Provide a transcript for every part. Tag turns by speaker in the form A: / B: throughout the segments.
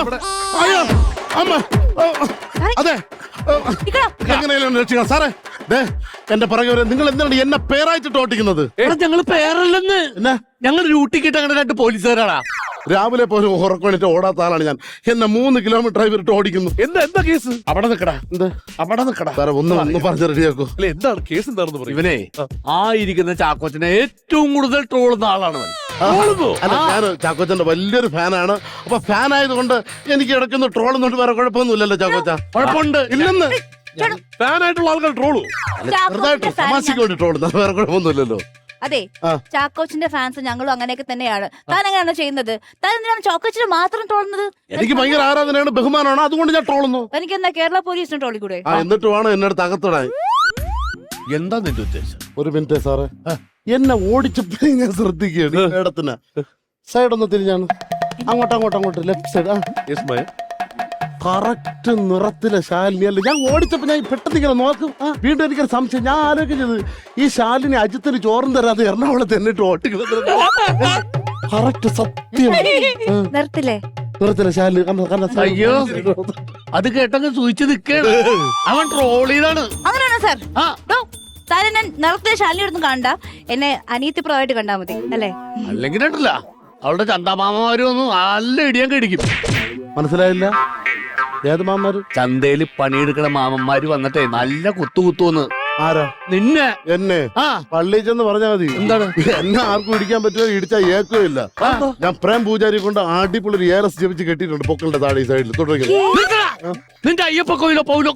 A: അയ്യോ അമ്മ അതെ എങ്ങനെയാണ് രക്ഷിക്കണം സാറേ? എന്റെ പുറകെ വരെ നിങ്ങൾ എന്താണ് എന്നെ പേരായിട്ട് ഓട്ടിക്കുന്നത്?
B: ഞങ്ങള് പേരല്ലെന്ന്, ഞങ്ങൾ ഡ്യൂട്ടിക്കിട്ട് അങ്ങനെ 2 പോലീസുകാരാടാ.
A: രാവിലെ പോലും ഉറക്കണിട്ട് ഓടാത്ത ആളാണ് ഞാൻ. എന്നെ 3 കിലോമീറ്റർ ഇവരിട്ട് ഓടിക്കുന്നു.
C: എന്താ കേസ്?
A: അവിടെ നിൽക്കടാ. എന്ത് അവിടെ നിൽക്കടാ സാറേ? ഒന്ന് പറഞ്ഞ് റെഡിയാക്കോ.
C: എന്താണ് കേസ്? എന്താണെന്ന് പറയും.
B: ഇവനെ ഇരിക്കുന്ന ചാക്കോച്ചനെ ഏറ്റവും കൂടുതൽ ട്രോളുന്ന ആളാണ്.
A: അല്ല, ഞാൻ ചാക്കോച്ചന്റെ വലിയൊരു ഫാനാണ്. അപ്പൊ ഫാൻ ആയതുകൊണ്ട് എനിക്ക് ഇടയ്ക്കൊന്ന് ട്രോളുന്നുണ്ട്. വേറെ കുഴപ്പമൊന്നുമില്ലല്ലോ ചാക്കോച്ച?
B: കുഴപ്പമുണ്ട്
A: ഇല്ലെന്ന്.
C: ഫാനായിട്ടുള്ള ആൾക്കാർ ട്രോളൂ.
A: ചെറുതായിട്ട് തമാശയ്ക്ക് വേണ്ടി ട്രോളുന്നത്, വേറെ കുഴപ്പമൊന്നുമില്ലല്ലോ.
D: അതെ, ചാക്കോച്ചിന്റെ ഫാൻസ് ഞങ്ങളും അങ്ങനെയൊക്കെ തന്നെയാണ്. താൻ എങ്ങനെയാണ് ചെയ്യുന്നത്? താൻ എന്തിനാണ് ചാക്കോച്ചിനെ മാത്രം ട്രോളുന്നത്?
A: എനിക്ക് ഭയങ്കര ആരാധനയാണ്, ബഹുമാനമാണ്, അതുകൊണ്ട് ഞാൻ ട്രോളുന്നു.
D: എനിക്ക് എന്നാ കേരള പോലീസിനെ ട്രോളിക്കൂടെ?
A: എന്നിട്ട് വേണം എന്നെ അടുത്ത് അകത്തിടാൻ.
B: എന്താ നിന്റെ ഉദ്ദേശം?
A: ഒരു മിനിറ്റ് സാറേ, എന്നെ ഓടിച്ചപ്പോഴേ ഞാൻ ശ്രദ്ധിക്കുകയാണ്. ഇടത്തിന് സൈഡൊന്ന് തിരിഞ്ഞാണ്, അങ്ങോട്ട് ലെഫ്റ്റ് സൈഡ്. കറക്റ്റ് നിറത്തിലെ ശാലിനി അല്ല. ഞാൻ ഓടിച്ചപ്പോ ഞാൻ പെട്ടെന്ന് ഇങ്ങനെ നോക്കും. വീണ്ടും എനിക്കൊരു സംശയം. ഞാൻ ആലോചിച്ചത് ഈ ശാലിനി അജിത്തിന് ചോറും തരാതെ എറണാകുളത്ത് എന്നിട്ട് ഓട്ടിക്കുന്നത് കറക്റ്റ് സത്യം. നിറത്തിലെ ശാലിനി.
B: അയ്യോ, അത് കേട്ടങ്ങ് സൂചിച്ച് നിൽക്കാണ്. അവൻ ട്രോൾ ചെയ്താണ്.
D: അങ്ങനെയാണോ സാർ? താൻ എന്നെ നിറത്തിലെ ശാലിനി എടുത്തും കണ്ട എന്നെ അനിയത്തി പ്രവായിട്ട് കണ്ടാ മതി അല്ലേ?
B: അല്ലെങ്കിൽ കേട്ടില്ല, അവളുടെ ചന്താമാമമാര് വന്നു നല്ല ഇടിയാൻ കടിക്കും.
A: മനസ്സിലായില്ല? ഏത് മാമാര്?
B: ചന്തയില് പണിയെടുക്കണ മാമന്മാര് വന്നിട്ടേ നല്ല കുത്തുവന്ന്.
A: ആരാ?
B: നിന്നെ.
A: എന്നെ പള്ളിയിൽ ചെന്ന് പറഞ്ഞാൽ മതി.
B: എന്താണ്?
A: എന്നെ ആർക്കും ഇടിക്കാൻ പറ്റുമോ? ഇടിച്ചാൽ ഏക്കോ ഇല്ല. ഞാൻ പ്രേം പൂജാരി കൊണ്ട് അടിപൊളി ഒരു ARS ജപിച്ച് കെട്ടിയിട്ടുണ്ട് പൊക്കളുടെ താഴെ സൈഡിൽ. തുടങ്ങി
B: നിന്റെ അയ്യപ്പ കോയിലോ പൗലോ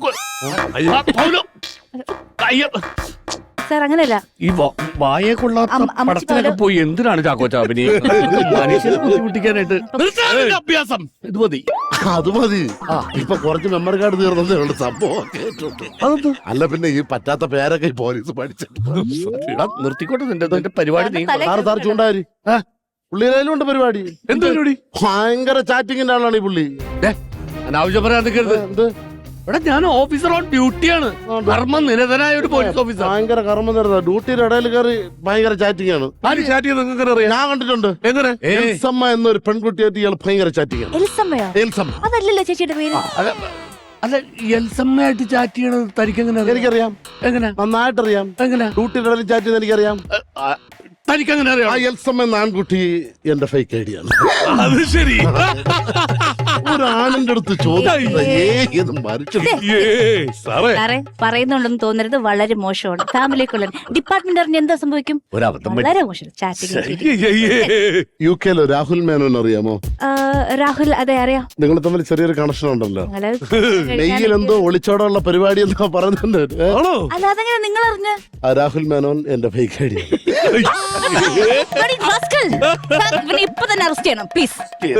D: സാർ അങ്ങനെയല്ല.
B: ഈ വായെ കൊള്ളാത്ത പടത്തിലൊക്കെ പോയി എന്തിനാണ് ചാക്കോച്ച മനുഷ്യനെ ബുദ്ധിമുട്ടിക്കാനായിട്ട്? അഭ്യാസം ഇത് മതി.
A: അത് മതി. ഇപ്പൊ കുറച്ച് മെമ്മറി കാർഡ് തീർന്നതേ ഉള്ളു. സംഭവം അല്ല, പിന്നെ ഈ പറ്റാത്ത പേരൊക്കെ ഈ പോലീസ് പഠിച്ചിട്ട്
B: നിർത്തിക്കോട്ടെ നിന്റെ പരിപാടി.
A: സാർ ചൂണ്ടാരി പുള്ളിയിലുണ്ട് പരിപാടി.
B: എന്ത് പരിപാടി?
A: ഭയങ്കര ചാറ്റിങ്ങിന്റെ ആളാണ് ഈ പുള്ളി.
B: അനാവശ്യം പറയാൻ നിൽക്കരുത്.
A: എന്ത്?
B: ഇവിടെ ഞാൻ ഓഫീസർ ഓൺ ഡ്യൂട്ടിയാണ്. കർമ്മ നിരതനായ ഒരു പോലീസ് ഓഫീസർ.
A: ഭയങ്കര കർമ്മ നിരത. ഡ്യൂട്ടിയുടെ ഇടയിൽ കയറി ഭയങ്കര ചാറ്റിംഗ് ആണ്. ഞാൻ കണ്ടിട്ടുണ്ട്.
B: എങ്ങനെ?
A: എൽസമ്മ എന്നൊരു പെൺകുട്ടിയായിട്ട് ഇയാൾ ഭയങ്കര ചാറ്റിംഗ് ആണ്.
D: അതല്ലല്ലോ ചേച്ചിയുടെ പേര്.
B: അല്ല, എൽസമ്മയായിട്ട് ചാറ്റ് ചെയ്യണത് തനിക്കെങ്ങനെ?
A: എനിക്കറിയാം.
B: എങ്ങനെ?
A: നന്നായിട്ടറിയാം.
B: എങ്ങനെ?
A: ഡ്യൂട്ടിയുടെ ഇടയിൽ ചാറ്റ് ചെയ്ത് എനിക്കറിയാം.
B: തനിക്കെങ്ങനെ അറിയാം?
A: ആ എൽസമ്മ എന്ന ആൺകുട്ടി എന്റെ ഫേക്ക് ഐഡിയ ആണ്.
C: അത് ശരി.
A: ഒരു ആണിന്റെ അടുത്ത് ചോദിച്ചു
D: പറയുന്നുണ്ടെന്ന് തോന്നരുത്. വളരെ മോശമാണ്. ഫാമിലിക്കുള്ള ഡിപ്പാർട്ട്മെന്റ് അറിഞ്ഞ് എന്താ സംഭവിക്കും? വളരെ മോശം.
A: UK രാഹുൽ മേനോൻ അറിയാമോ?
D: രാഹുൽ, അതെ അറിയാം.
A: നിങ്ങൾ തമ്മിൽ ചെറിയൊരു കണക്ഷൻ ഉണ്ടല്ലോ. മെയ്യിൽ എന്തോ ഒളിച്ചോടുള്ള പരിപാടി എന്നോ പറയുന്നുണ്ട്.
D: അല്ല, അതെങ്ങനെ നിങ്ങൾ അറിഞ്ഞ്?
A: രാഹുൽ മേനോൻ എന്റെ ഫേക്ക് ഐഡിയ.
D: ഇപ്പൊ തന്നെ അറസ്റ്റ് ചെയ്യണം പ്ലീസ്.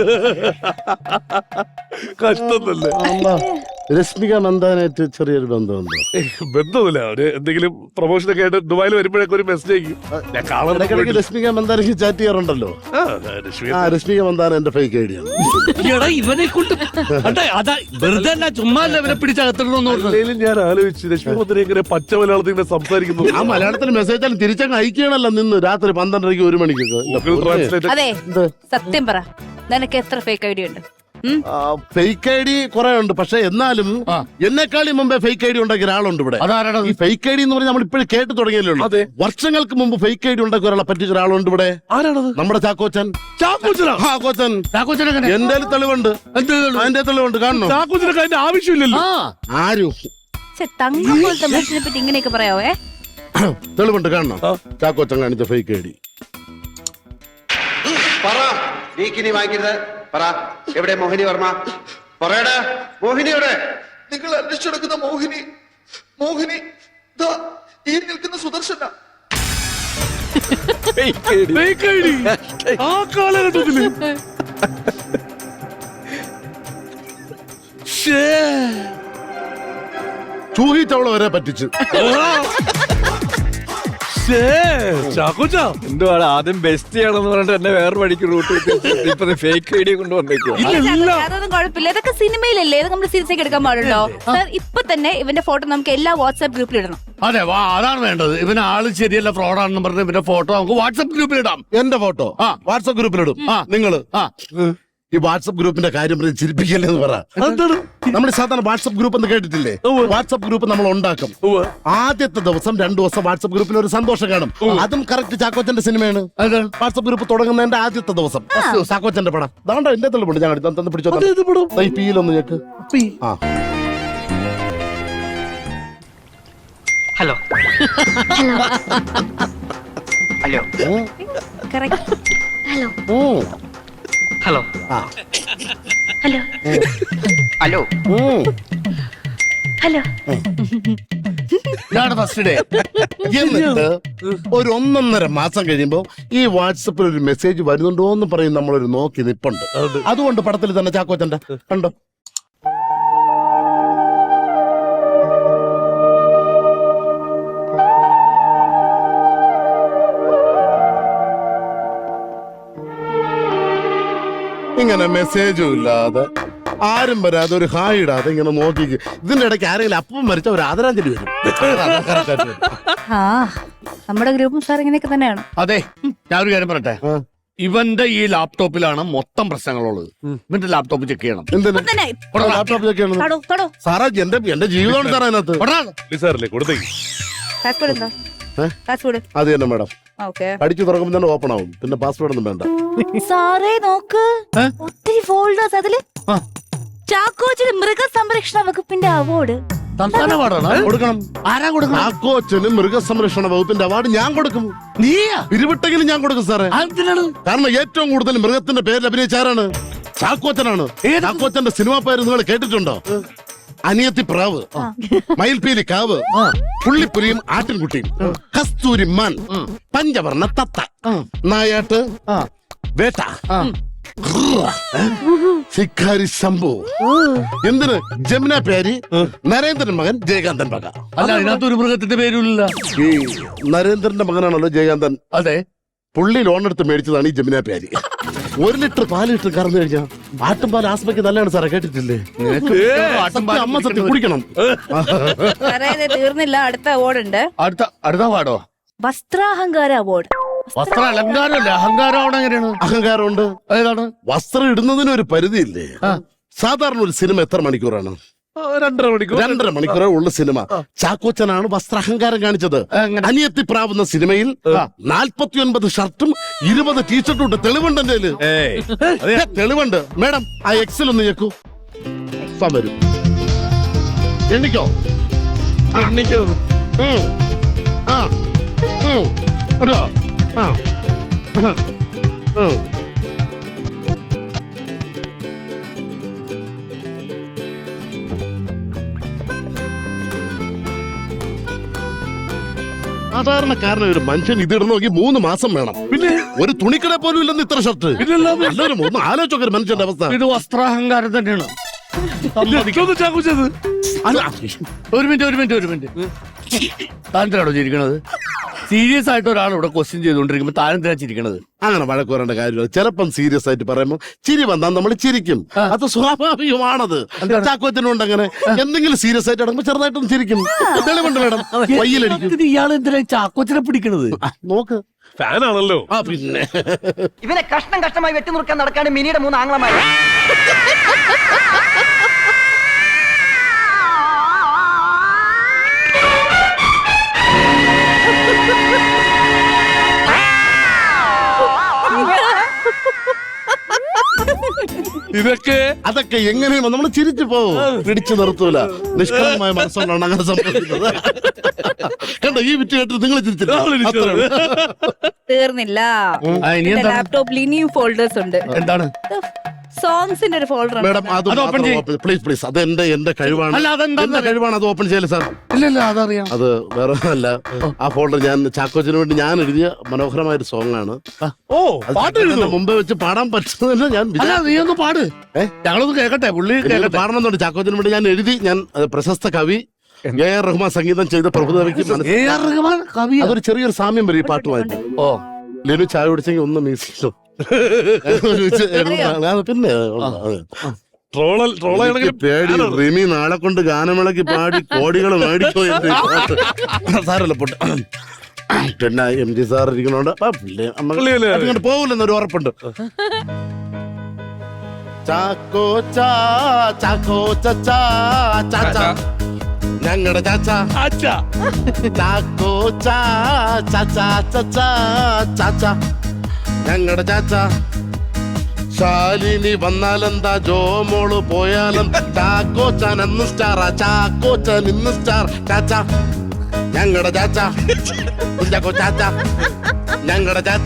C: കഷ്ടമല്ലേ?
A: രശ്മിക മന്ദാനായിട്ട് ചെറിയൊരു ബന്ധമുണ്ടോ?
C: ബന്ധമില്ല. അവര് എന്തെങ്കിലും പ്രൊമോഷൻ ഒക്കെ ആയിട്ട് ദുബായിൽ വരുമ്പോഴൊക്കെ ഒരു മെസ്സേജ് അയക്കും.
A: രശ്മിക മന്ദാനയ്ക്ക് ചാറ്റ് ചെയ്യാറുണ്ടല്ലോ. രശ്മിക മന്ദാന എന്റെ ഫേക്ക് ഐഡിയ ആണ്.
B: ഇവനെ കൊണ്ട് വെറുതെ ചുമ്മാ ഇവനെ പിടിച്ചകത്തിടണമെന്ന്
C: ഞാൻ ആലോചിച്ചു. രശ്മി മന്ദാന ഇങ്ങനെ പച്ച മലയാളത്തിൽ ഇങ്ങനെ സംസാരിക്കുന്നു.
A: ആ മലയാളത്തിൽ മെസ്സേജ് തിരിച്ചങ്ങ് അയക്കണല്ലോ നിന്ന് രാത്രി 12:30 1 മണിക്കൊക്കെ.
D: അതെ, സത്യം പറ, നിനക്ക് എത്ര ഫേക്ക് ഐഡിയ ഉണ്ട്?
A: ഫേക്ക് ഐ ഡി കുറെ ഉണ്ട്. പക്ഷെ എന്നാലും എന്നെക്കാളും മുമ്പേ ഫേക്ക് ഐ ഡി ഉണ്ടാക്കിയ ഒരാളുണ്ട് ഇവിടെ.
B: ഈ
A: ഫേക്ക് ഐ ഡി എന്ന് പറഞ്ഞാൽ നമ്മൾ ഇപ്പോഴും കേട്ട് തുടങ്ങിയല്ലോ. വർഷങ്ങൾക്ക് മുമ്പ് ഫേക്ക് ഐ ഡി ഉണ്ടാക്കിയ ഒരാളെ പറ്റിച്ച ഒരാളുണ്ട് ഇവിടെ.
C: ആരാണത്?
A: നമ്മുടെ ചാക്കോച്ചൻ. എന്റെ തെളിവുണ്ട്. അതിന്റെ തെളിവുണ്ട്. കാണണോ?
C: ചാക്കോച്ചനൊക്കെ അതിന്റെ ആവശ്യമില്ലല്ലോ.
A: ആരും
D: തങ്ങൾത്തെ മനുഷ്യനെ പറ്റി ഇങ്ങനെയൊക്കെ പറയാവേ?
A: തെളിവുണ്ട്. കാണണം ചാക്കോച്ചൻ കാണിച്ച ഫേക്ക് ഐ ഡി.
E: പറ, എവിടെ മോഹിനി വർമ്മ? പറയടാ, മോഹിനി എവിടെ?
F: നിങ്ങൾ അന്വേഷിച്ചെടുക്കുന്ന മോഹിനി ഈ നിൽക്കുന്ന സുദർശന.
C: ആ കാലഘട്ടത്തില്
A: ചൂഹിച്ചവളെ വരെ പറ്റിച്ചു.
C: ചാക്കോച്ച
G: എന്തുവാണ് ആദ്യം ബെസ്റ്റ് ചെയ്യണമെന്ന് പറഞ്ഞിട്ട് എന്നെ വേറെ വഴിക്ക് റൂട്ട് ഇപ്പൊ ഫേക്ക് ഐഡിയ കൊണ്ടുവന്നേക്കോ?
D: അതൊന്നും കുഴപ്പമില്ല. ഇതൊക്കെ സിനിമയിലല്ലേ, ഇത് നമ്മൾ സീരിയസ് ആക്കി എടുക്കാൻ പാടുണ്ടോ? സാർ, ഇപ്പൊ തന്നെ ഇവന്റെ ഫോട്ടോ നമുക്ക് എല്ലാ വാട്സ്ആപ്പ് ഗ്രൂപ്പിൽ ഇടണം.
B: അതെ, അതാണ് വേണ്ടത്. ഇവന് ആള് ശരിയല്ല, ഫ്രോഡാണെന്ന് പറഞ്ഞ് ഇവന്റെ ഫോട്ടോ നമുക്ക് വാട്സ്ആപ്പ് ഗ്രൂപ്പിൽ ഇടാം.
A: എന്റെ ഫോട്ടോ വാട്സ്ആപ്പ് ഗ്രൂപ്പിലിടും. നിങ്ങള് ഈ വാട്സപ്പ് ഗ്രൂപ്പിന്റെ കാര്യം പറഞ്ഞ് ചിരിപ്പിക്കല്ലേ എന്ന് പറ. നമ്മൾ സാധാരണ വാട്സപ്പ് ഗ്രൂപ്പ് എന്ന് കേട്ടിട്ടില്ലേ? വാട്സപ്പ് ഗ്രൂപ്പ് നമ്മൾ ഉണ്ടാക്കും. ആദ്യത്തെ ദിവസം 2 ദിവസം വാട്സപ്പ് ഗ്രൂപ്പിൽ ഒരു സന്തോഷം കാണും. അതും കറക്റ്റ് ചാക്കോച്ചന്റെ സിനിമയാണ്. വാട്സപ്പ് ഗ്രൂപ്പ് തുടങ്ങുന്നതിന്റെ ആദ്യത്തെ ദിവസം ചാക്കോച്ചന്റെ പടം ദാണ്ട എന്റെ തെളിവുണ്ട്. ഞാൻ തന്നെ പിടിച്ചോ പീലൊന്ന് ഞെക്ക്. ആ
H: hello hello
D: correct. Hello
H: hello
A: ആ
D: ഹലോ
H: ഹലോ
D: ഹലോ.
B: ഇതാണ് ഫസ്റ്റ് ഡേ.
A: എന്നിട്ട് ഒരു 1.5 മാസം കഴിയുമ്പോ ഈ വാട്സപ്പിൽ ഒരു മെസ്സേജ് വരുന്നുണ്ടോ എന്ന് പറയും നമ്മളൊരു നോക്കി നിപ്പുണ്ട്. അതുകൊണ്ട് പടത്തിൽ തന്നെ ചാക്കോച്ചന്റെ കണ്ടോ. ഇങ്ങനെ മെസ്സേജും ഇല്ലാതെ ആരും വരാതെ ഒരു ഹായ് ഇടാതെ ഇങ്ങനെ നോക്കി ഇതിന്റെ ഇടയ്ക്ക് ആരെങ്കിലും അപ്പം മരിച്ച ഒരു ആദരാഞ്ജലി വരും.
D: ആ നമ്മുടെ ഗ്രൂപ്പും സാർ ഇങ്ങനെയൊക്കെ തന്നെയാണ്.
B: അതെ, ഞാൻ ഒരു കാര്യം പറയട്ടെ. ഇവന്റെ ഈ ലാപ്ടോപ്പിലാണ് മൊത്തം പ്രശ്നങ്ങളുള്ളത്. ഇവന്റെ ലാപ്ടോപ്പ് ചെക്ക് ചെയ്യണം.
A: എന്തിനാ
D: തന്നെ
A: ലാപ്ടോപ്പ് ചെക്കാണ്
D: തൊടോ തൊടോ.
A: സാറാ? എന്റെ ജീവിതമാണ് സാറേ അതിനകത്ത്.
C: സാറല്ലേ കൊടുത്തേക്ക്.
D: പാസ്വേഡ് എന്താ? പാസ്വേഡ്
A: അത് തന്നെ മാഡം.
D: ഓക്കെ.
A: അടിച്ചു തുറക്കുമ്പോൾ തന്നെ ഓപ്പൺ ആവും. പിന്നെ പാസ്വേഡ് ഒന്നും വേണ്ട.
D: സാറേ നോക്ക്, ഒത്തിരി ഫോൾഡേഴ്സ്. അതില് ചാക്കോച്ചിന് മൃഗസംരക്ഷണ വകുപ്പിന്റെ അവാർഡ്.
B: സംസ്ഥാന അവാർഡാണ്
A: കൊടുക്കണം.
B: ആരാ കൊടുക്കണം?
A: ചാക്കോച്ചന് മൃഗസംരക്ഷണ വകുപ്പിന്റെ അവാർഡ് ഞാൻ കൊടുക്കും.
B: നീയാ?
A: പിരിവിട്ടെങ്കിലും ഞാൻ കൊടുക്കും സാറേ.
B: എന്തിനാണ്?
A: കാരണം ഏറ്റവും കൂടുതൽ മൃഗത്തിന്റെ പേരിൽ അഭിനയിച്ചാരാണ്? ചാക്കോച്ചനാണ്. ചാക്കോച്ചന്റെ സിനിമാ പേര് നിങ്ങൾ കേട്ടിട്ടുണ്ടോ? അനിയത്തി പ്രാവ്, മയിൽപീലി കാവ്, പുള്ളിപ്പുലിയും ആട്ടിൻകുട്ടിയും, കസ്തൂരി മാൻ, പഞ്ചവർണ്ണ തത്ത, നായാട്ട്, വേട്ട, ശിക്കാരി ശംഭു. എന്തിന്? ജമുന പേരി, നരേന്ദ്രൻ മകൻ ജയകാന്തൻ മക.
B: അല്ല, അതിനകത്ത് ഒരു മൃഗത്തിന്റെ പേരില്ല.
A: ഈ നരേന്ദ്രന്റെ മകനാണല്ലോ ജയകാന്തൻ.
B: അതെ,
A: പുള്ളി ലോൺ എടുത്ത് മേടിച്ചതാണ് ഈ ജമുന പേരി. 1 ലിറ്റർ 4 ലിറ്റർ കറന്നു കഴിഞ്ഞാൽ ആട്ടുംപാൽ ആസ്മയ്ക്ക് നല്ലതാണ് സാറേ. കേട്ടിട്ടില്ലേ? അമ്മ സത്യം കുടിക്കണം.
D: സാറേ ഇത് തീർന്നില്ല, അടുത്ത അവാർഡ് ഉണ്ട്.
B: അടുത്ത പാടോ?
D: വസ്ത്രാഹങ്കാര അവാർഡ്.
B: വസ്ത്ര അലങ്കാരമല്ല, അഹങ്കാരം അവിടെ എങ്ങനെയാണ്?
A: അഹങ്കാരമുണ്ട്.
B: ഏതാണ്?
A: വസ്ത്രം ഇടുന്നതിന് ഒരു പരിധിയില്ലേ? സാധാരണ ഒരു സിനിമ എത്ര മണിക്കൂറാണ്?
C: 2.5 മണിക്കൂർ.
A: 2.5 മണിക്കൂറേ ഉള്ള സിനിമ. ചാക്കോച്ചനാണ് വസ്ത്രാഹങ്കാരം കാണിച്ചത്. അനിയത്തി പ്രാവുന്ന സിനിമയിൽ 49 ഷർട്ടും 20 ടീഷർട്ടും ഉണ്ട്. തെളിവുണ്ട് എന്റെ കയ്യില്. തെളിവുണ്ട്. മേഡം ആ എക്സൽ ഒന്ന് ഞെക്കൂ. വരും എണ്ണിക്കോ. ആ ഒരു ആ സാധാരണക്കാരന് ഒരു മനുഷ്യൻ ഇതിട നോക്കി 3 മാസം വേണം. പിന്നെ ഒരു തുണിക്കട പോലും ഇല്ലെന്ന് ഇത്ര ഷർട്ട്. എല്ലാവരും ഒന്ന് ആലോചിച്ചൊക്കെ ഒരു മനുഷ്യന്റെ അവസ്ഥ.
B: ഇത് വസ്ത്രാഹങ്കാരം തന്നെയാണ്.
C: ചാക്കോച്ചത്
B: ഒരു മിനിറ്റ് താനെന്തിനാണോ ചിരിക്കണത്? സീരിയസ് ആയിട്ട് ഒരാൾ ഇവിടെ ക്വസ്റ്റ്യൻ ചെയ്തുകൊണ്ടിരിക്കുമ്പോ താനെന്തിനാ ചിരിക്കണത്?
A: അങ്ങനെ വഴക്ക് പറയേണ്ട കാര്യമില്ല. ചിലപ്പം സീരിയസ് ആയിട്ട് പറയുമ്പോൾ ചിരി വന്നാൽ നമ്മൾ ചിരിക്കും. അത് സ്വാഭാവികമാണത്. ചാക്കോച്ചനുണ്ട് അങ്ങനെ. എന്തെങ്കിലും സീരിയസ് ആയിട്ട് ഇടങ്ങുമ്പോ ചെറുതായിട്ടൊന്നും ചിരിക്കും. തെളിവുണ്ട് മേഡം. വയ്യിലടിക്കും.
B: ഇയാൾ എന്തിനാ ചാക്കോച്ചനെ പിടിക്കണത്?
A: നോക്ക്,
C: ഫാനാണല്ലോ.
A: ആ പിന്നെ
H: ഇവനെ കഷ്ടമായി വെട്ടിനുറുക്കാൻ നടക്കാണ് മിനിയുടെ 3 ആംഗ്ലമാര്.
A: അതൊക്കെ എങ്ങനെയും നമ്മൾ ചിരിച്ചു പോവും. പിടിച്ചു നിർത്തൂല. നിഷ്കളങ്കമായ മനസ്സുകൊണ്ടാണ് അങ്ങനെ സംഭവിക്കുന്നത്. കണ്ടോ, ഈ വിറ്റ് കേട്ടിട്ട് നിങ്ങൾ ചിരിച്ചില്ല.
D: തീർന്നില്ല. ലാപ്ടോപ്പിൽ ഇനിയും ഫോൾഡേഴ്സ് ഉണ്ട്.
B: എന്താണ്?
D: സോങ്സിന്റെ ഒരു ഫോൾഡർ.
A: മേഡം അത് പ്ലീസ് അത് എന്റെ കഴിവാണ്. എന്റെ കഴിവാണ്. അത് ഓപ്പൺ ചെയ്യല് സാർ.
B: ഇല്ല അതറിയാം.
A: അത് വേറെ അല്ല. ആ ഫോൾഡർ ഞാൻ ചാക്കോച്ചിന് വേണ്ടി ഞാൻ എഴുതിയ മനോഹരമായ ഒരു സോങ് ആണ്. മുമ്പേ വെച്ച് പാടാൻ പറ്റുന്നില്ല. ഞാൻ
B: നീ ഒന്ന് പാട്, ഞങ്ങളൊന്ന് കേക്കട്ടെ. പുള്ളി
A: പാടണമെന്നുണ്ട്. ചാക്കോച്ചിന് വേണ്ടി ഞാൻ എഴുതി. ഞാൻ പ്രശസ്ത കവി A.R. റഹ്മാൻ സംഗീതം ചെയ്ത പ്രഭുദേവയ്ക്ക് അതൊരു ചെറിയൊരു സാമ്യം വരും ഈ പാട്ടുമായിട്ട്.
B: ഓ,
A: ലെനു ചായ കുടിച്ചെങ്കിൽ ഒന്ന് മ്യൂസിക്കോ പിന്നെ പേടി. റിമി നാളെ കൊണ്ട് ഗാനമേളക്ക് പാടി കോടികൾ മേടിക്കോ സാറല്ല പൊട്ട്. പിന്നെ MG സാർ ഇരിക്കണോണ്ട് അങ്ങോട്ട് പോകില്ലെന്നൊരു ഉറപ്പുണ്ട്. ചാക്കോച്ച ചാക്കോച്ച ചാച്ച ഞങ്ങളുടെ ചാച്ച
B: അച്ഛാ
A: ചാക്കോച്ച ചാച്ച ചാച്ച ഞങ്ങളുടെ ചാച്ച ശാലിനി വന്നാലെന്താ ജോമോള് പോയാലും ചാക്കോച്ചൻ എന്ന് സ്റ്റാറാ ചാക്കോച്ചൻ ഇന്ന് സ്റ്റാർ ചാച്ച ഞങ്ങളുടെ ചാച്ച കുഞ്ചാക്കോ ചാച്ച ഞങ്ങളുടെ ചാച്ച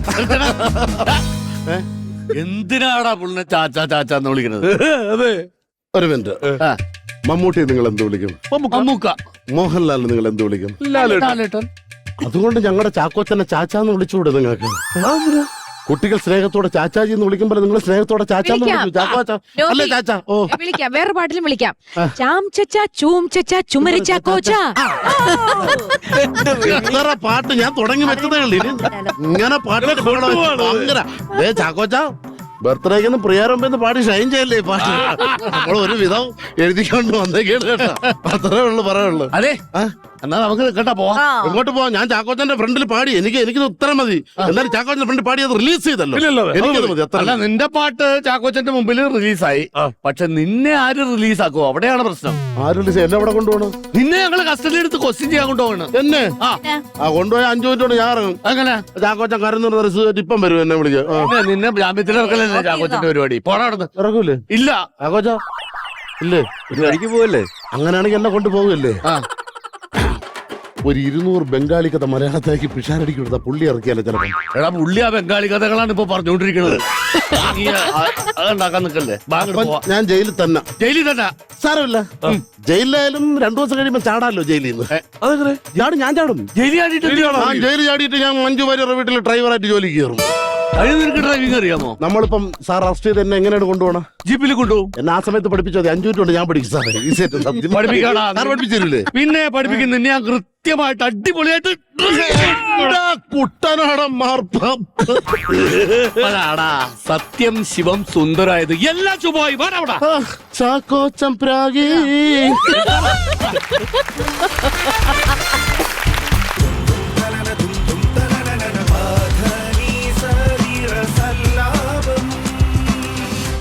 B: എന്തിനാടാ പുള്ളിനെ ചാച്ചാ ചാച്ചാന്ന് വിളിക്കുന്നത്?
C: അതെ
A: ഒരു മിനിറ്റ് മമ്മൂട്ടി നിങ്ങൾ എന്ത് വിളിക്കും?
B: മമ്മൂക്ക,
A: മോഹൻലാൽ നിങ്ങൾ എന്ത് വിളിക്കും?
B: ലാലേട്ടൻ.
A: അതുകൊണ്ട് ഞങ്ങളുടെ ചാക്കോച്ചനെ ചാച്ചാന്ന് വിളിച്ചുകൂടെ നിങ്ങൾക്ക്? കുട്ടികൾ സ്നേഹത്തോടെ ചാച്ചാജി എന്ന് വിളിക്കുമ്പോൾ നിങ്ങൾ സ്നേഹത്തോടെ ചാച്ചാന്ന് വിളിക്കും. ചാക്കോച്ച അല്ലേ ചാച്ച? ഓ
I: വിളിക്കാം, വേറെ പാട്ടിലും വിളിക്കാം. ചാം ചച്ച ചൂം ചച്ച ചുമരിച്ച കോച്ച.
A: എത്ര പാട്ട് ഞാൻ തുടങ്ങി വെച്ചതേ ഉള്ളൂ. ഇനി ഇങ്ങനെ പാട്ട് ചാക്കോച്ച ബർത്ത്ഡേക്ക് പ്രിയാരംഭെന്ന് പാടി ഷൈൻ ചെയ്യല്ലേ ഈ പാട്ട്. നമ്മൾ ഒരു വിധം എഴുതിക്കൊണ്ട് വന്നേക്കാണ് കേട്ടോ. അത്രേ ഉള്ളു പറയുള്ളൂ.
B: അതെ, എന്നാ നമുക്ക് കേട്ടാ പോവാം.
A: എങ്ങോട്ട് പോവാം? ഞാൻ ചാക്കോച്ചന്റെ ഫ്രണ്ടിൽ പാടി. എനിക്കിത് ഉത്തരം മതി. എന്നാലും ചാക്കോച്ചന്റെ ഫ്രണ്ടിൽ പാടി അത് റിലീസ് ചെയ്തല്ലോ. എനിക്കത് മതി.
B: അല്ല, നിന്റെ പാട്ട് ചാക്കോച്ചന്റെ മുമ്പിൽ റിലീസായി. പക്ഷെ നിന്നെ ആര് റിലീസാക്കുവോ? അവിടെയാണ് പ്രശ്നം.
A: ആര് റിലീസ്? എന്നെ അവിടെ കൊണ്ടുപോകണം.
B: നിന്നെ ഞങ്ങള് കസ്റ്റഡി എടുത്ത് ക്വസ്റ്റ്യൻ ചെയ്യാൻ കൊണ്ടുപോകണം.
A: എന്നെ
B: ആ
A: കൊണ്ടുപോയി 5 മിനിറ്റ് കൊണ്ട് ഞാൻ ഇറങ്ങും.
B: അങ്ങനെ
A: ചാക്കോച്ചൻ കരന്ന് റിസീവ് ഇപ്പം വരും എന്നെ വിളിക്കാം.
B: നിന്നെ ജാമ്യത്തിൽ ഇറക്കലല്ലേ ചാക്കോച്ചന്റെ പരിപാടി? പോടാ അവിടുന്ന്.
A: ഇറങ്ങൂലേ
B: ഇല്ല
A: ചാക്കോച്ച? ഇല്ലേ?
G: വഴിക്ക് പോവല്ലേ?
A: അങ്ങനെയാണെങ്കിൽ എന്നെ കൊണ്ടുപോകല്ലേ?
B: ആ
A: ഒരു 200 ബംഗാളി കഥ മലയാളത്തിലേക്ക് പിഷാരടിക്ക് കൊടുത്ത പുള്ളി ഇറക്കിയാലേ ചിലപ്പോൾ.
B: എടാ, പുള്ളി ആ ബംഗാളി കഥകളാണ് ഇപ്പൊ പറഞ്ഞുകൊണ്ടിരിക്കുന്നത്. നീ അതുണ്ടാക്കാൻ നിക്കല്ലേ?
A: ഞാൻ ജയിലിൽ തന്നെ.
B: ജയിലിൽ തന്നെ
A: സാരമില്ല. ജയിലിലായാലും 2 ദിവസം കഴിയുമ്പോ ചാടാലോ ജയിലിൽ നിന്ന്.
B: അതെങ്ങനെ
A: ചാടും? ഞാൻ ചാടും.
B: ജയിലിൽ ചാടിയിട്ട്
A: ജയിലിൽ ചാടിയിട്ട് ഞാൻ മഞ്ജു വാര്യരുടെ വീട്ടിൽ ഡ്രൈവറായിട്ട് ജോലിക്ക് കയറും.
B: അതിന് നിനക്ക് ഡ്രൈവിംഗ് അറിയാമോ?
A: നമ്മളിപ്പം സാർ അറസ്റ്റ് ചെയ്ത് എന്നെ എങ്ങനെയാണ് കൊണ്ടുപോകണം?
B: ജീപ്പിൽ കൊണ്ടുപോകും.
A: എന്നെ ആ സമയത്ത് പഠിപ്പിച്ചത് 5 മിനിറ്റ് കൊണ്ട് ഞാൻ പഠിക്കും സാറേ.
B: പഠിപ്പിക്കാടാ.
A: പഠിപ്പിച്ചില്ലേ?
B: പിന്നെ പഠിപ്പിക്കും. നിന്നെ ഞാൻ കൃത്യമായിട്ട് അടിപൊളിയായിട്ട്
A: കുട്ടനാടൻ മാർപ്പാടാ.
B: സത്യം ശിവം സുന്ദരായത് എല്ലാം ശുഭമായി. വേണവിടെ
A: ചാക്കോച്ചം പ്രാഗി